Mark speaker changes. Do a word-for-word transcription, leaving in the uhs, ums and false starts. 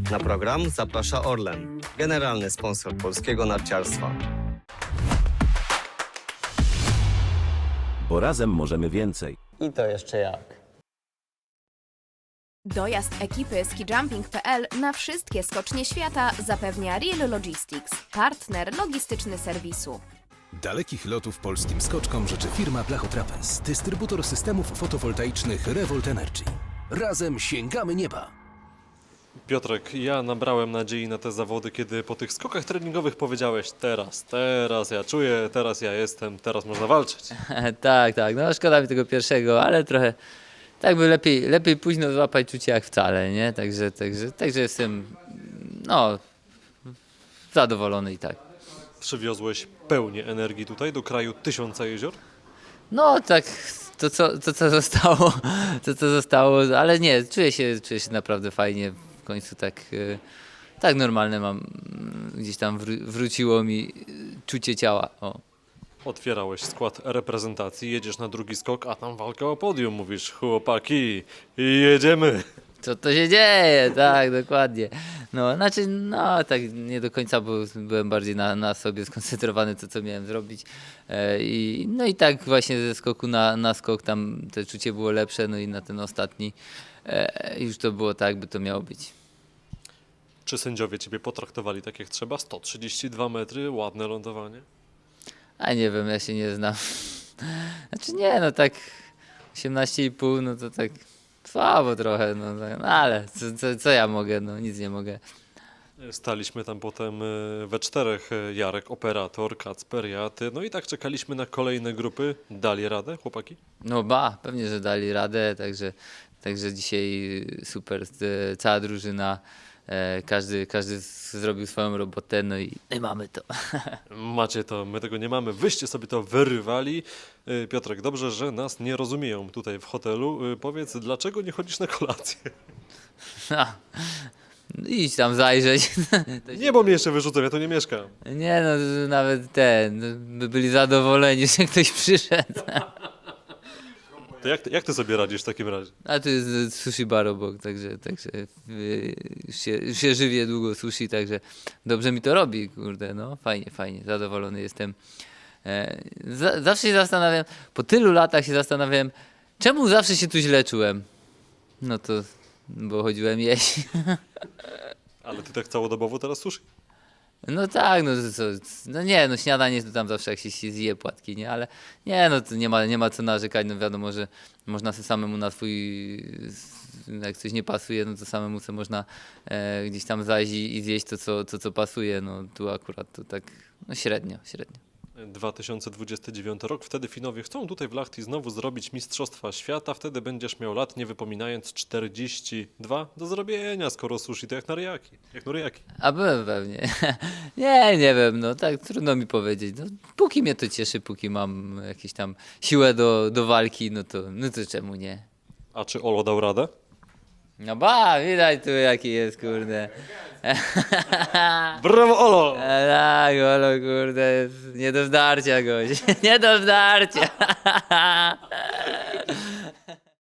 Speaker 1: Na program zaprasza Orlen, generalny sponsor polskiego narciarstwa.
Speaker 2: Bo razem możemy więcej.
Speaker 1: I to jeszcze jak.
Speaker 3: Dojazd ekipy skijumping kropka p l na wszystkie skocznie świata zapewnia Real Logistics, partner logistyczny serwisu.
Speaker 4: Dalekich lotów polskim skoczkom życzy firma Blachotrapez, dystrybutor systemów fotowoltaicznych Revolt Energy. Razem sięgamy nieba!
Speaker 5: Piotrek, ja nabrałem nadziei na te zawody, kiedy po tych skokach treningowych powiedziałeś teraz, teraz ja czuję, teraz ja jestem, teraz można walczyć.
Speaker 6: Tak, tak, no szkoda mi tego pierwszego, ale trochę tak by lepiej, lepiej późno złapać czucie jak wcale, nie? Także, także, także jestem no zadowolony i tak.
Speaker 5: Przywiozłeś pełnię energii tutaj do kraju tysiąca jezior?
Speaker 6: No tak, to co, to co zostało, to co zostało, ale nie, czuję się, czuję się naprawdę fajnie, w końcu tak, y, tak normalne mam, y, gdzieś tam wró- wróciło mi y, czucie ciała, o.
Speaker 5: Otwierałeś skład reprezentacji, jedziesz na drugi skok, a tam walka o podium. Mówisz, chłopaki, jedziemy.
Speaker 6: Co to się dzieje, tak, dokładnie. No, znaczy, no, tak nie do końca, bo byłem bardziej na, na sobie skoncentrowany, to co miałem zrobić. E, i, no i tak właśnie ze skoku na, na skok tam to czucie było lepsze, no i na ten ostatni e, już to było tak, by to miało być.
Speaker 5: Czy sędziowie ciebie potraktowali tak jak trzeba? sto trzydzieści dwa metry, ładne lądowanie.
Speaker 6: A nie wiem, ja się nie znam. Znaczy nie, no tak osiemnaście i pół, no to tak słabo trochę, no, tak, no ale co, co, co ja mogę, no nic nie mogę.
Speaker 5: Staliśmy tam potem e, we czterech, e, Jarek, operator, Kacper, ja, ty. No i tak czekaliśmy na kolejne grupy. Dali radę, chłopaki?
Speaker 6: No ba, pewnie, że dali radę, także, także dzisiaj super, e, cała drużyna, e, każdy, każdy z- zrobił swoją robotę, no i, i mamy to.
Speaker 5: Macie to, my tego nie mamy. Wyście sobie to wyrywali. E, Piotrek, dobrze, że nas nie rozumieją tutaj w hotelu. E, Powiedz, dlaczego nie chodzisz na kolację?
Speaker 6: No, idź tam zajrzeć. To się-
Speaker 5: Nie, bo mnie jeszcze wyrzucą, ja tu nie mieszkam.
Speaker 6: Nie no, nawet ten, by byli zadowoleni, że ktoś przyszedł.
Speaker 5: To jak, ty- jak ty sobie radzisz w takim razie?
Speaker 6: A tu jest e, sushi bar obok, także, także e, już, się, już się żywię długo sushi, także dobrze mi to robi, kurde, no fajnie, fajnie, zadowolony jestem. E, za, zawsze się zastanawiam, po tylu latach się zastanawiam, czemu zawsze się tu źle czułem. No to, bo chodziłem jeść.
Speaker 5: Ale ty tak całodobowo teraz sushi.
Speaker 6: No tak, no to co, no nie, no śniadanie to tam zawsze jak się, się zje płatki, nie, ale nie, no to nie ma, nie ma co narzekać, no wiadomo, że można sobie samemu na swój, jak coś nie pasuje, no to samemu sobie można e, gdzieś tam zajść i, i zjeść to co, to, co pasuje, no tu akurat to tak, no średnio, średnio.
Speaker 5: dwa tysiące dwudziesty dziewiąty rok, wtedy Finowie chcą tutaj w Lahti znowu zrobić Mistrzostwa Świata, wtedy będziesz miał lat, nie wypominając, czterdzieści dwa do zrobienia, skoro sushi to jak na ryjaki, jak na ryjaki.
Speaker 6: A byłem pewnie. Nie, nie wiem, no tak trudno mi powiedzieć. No, póki mnie to cieszy, póki mam jakieś tam siłę do, do walki, no to, no to czemu nie?
Speaker 5: A czy Olo dał radę?
Speaker 6: No ba, widać tu jaki jest, kurde.
Speaker 5: Brawo Olo!
Speaker 6: E, tak, olo, kurde, jest nie do zdarcia goś. Nie do zdarcia.